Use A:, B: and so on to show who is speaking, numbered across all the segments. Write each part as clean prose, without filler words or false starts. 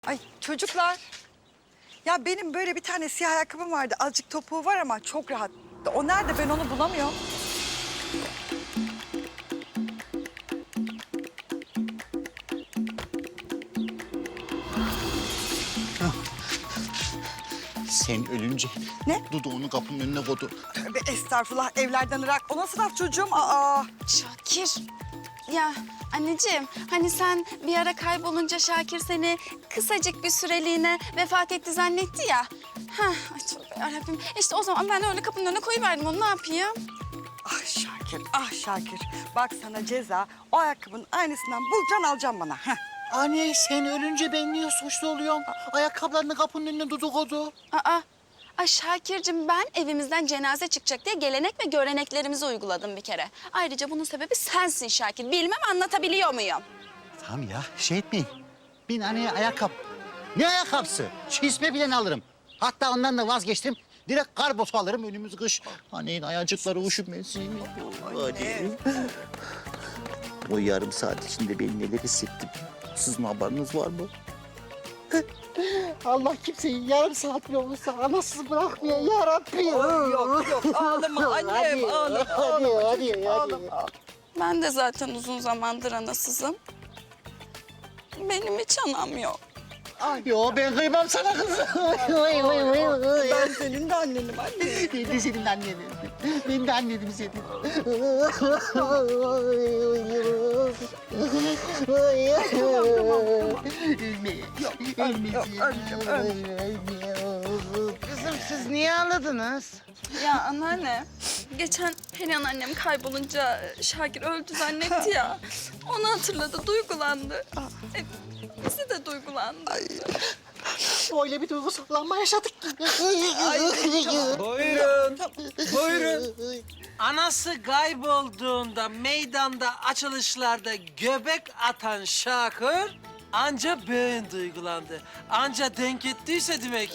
A: Ay çocuklar. Ya benim böyle bir tane siyah ayakkabım vardı. Azıcık topuğu var ama çok rahat. O nerede? Ben onu bulamıyorum.
B: Sen ölünce
A: Ne?
B: Dudu onu kapının önüne koydu.
A: Tövbe estağfurullah, evlerden ırak. O nasıl laf çocuğum? Aa.
C: Şakir. Ya anneciğim hani sen bir ara kaybolunca Şakir seni kısacık bir süreliğine vefat etti zannetti ya. Hah, ay tövbe yarabbim. İşte o zaman ben öyle kapının önüne koyuverdim onu ne yapayım?
A: Ah Şakir, ah Şakir. Bak sana ceza. O ayakkabının aynısından bulacaksın, alacaksın bana. Heh.
B: Anne sen ölünce ben niye suçlu oluyorum? Ayakkabılarını kapının önüne Dudu koydu.
C: Ay Şakir'cim ben evimizden cenaze çıkacak diye gelenek ve göreneklerimizi uyguladım bir kere. Ayrıca bunun sebebi sensin Şakir. Bilmem anlatabiliyor muyum?
B: Tamam ya şey etmeyin. Ben anneye ayakkabı. Ne ayakkabısı? Çizme bile alırım. Hatta ondan da vazgeçtim. Direkt kar botu alırım önümüz kış. Annenin ayacıkları üşümesin. Hadi. O yarım saat içinde ben neler hissettim. Sizin haberiniz var mı? Allah kimseyi yarım saat bile olursa anasız bırakmıyor ya Rabbi.
A: Yok yok, ağlama annem, ağlama.
B: Hadi.
C: Ben de zaten uzun zamandır anasızım. Benim hiç anam yok.
B: Yo ben kıymam sana kızım.
A: Ben senin de annenim anne.
B: Ben de senin annenim. Ben de annenim senin. Ölme.
A: Yok, ölmeyeceğim.
D: Kızım siz niye ağladınız?
C: Ya anneanne, geçen Perihan annem kaybolunca Şakir öldü zannetti ya. Onu hatırladı, duygulandı. Bizi de duygulandı.
B: Öyle bir duygusallanma yaşadık ki.
E: Buyurun, buyurun. Anası kaybolduğunda meydanda açılışlarda göbek atan Şakir anca ben duygulandı. Anca denk ettiyse demek.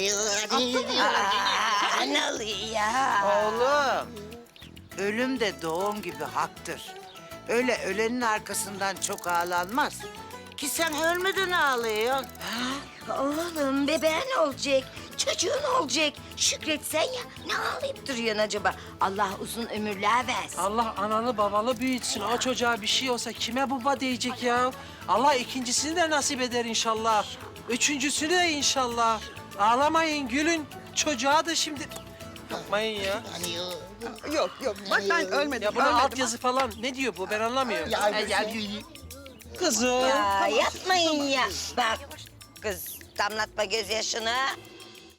D: Analı ya. Oğlum, ölüm de doğum gibi haktır. Öyle ölenin arkasından çok ağlanmaz. Ki sen ölmeden ağlıyorsun.
F: Oğlum bebeğin olacak, çocuğun olacak. Şükretsen ya, ne ağlayıp duruyorsun acaba? Allah uzun ömürler versin.
E: Allah analı babalı büyütsün. O çocuğa bir şey olsa kime baba diyecek ya? Allah ikincisini de nasip eder inşallah. Üçüncüsünü de inşallah. Ağlamayın, gülün. Çocuğa da şimdi... Yapmayın ya.
A: Yok yok, bak ben ölmedim.
E: Ya buna
A: ölmedim.
E: altyazı falan ne diyor bu? Ben anlamıyorum. Kızım.
F: Ya yapmayın ya. Bak kız damlatma gözyaşını.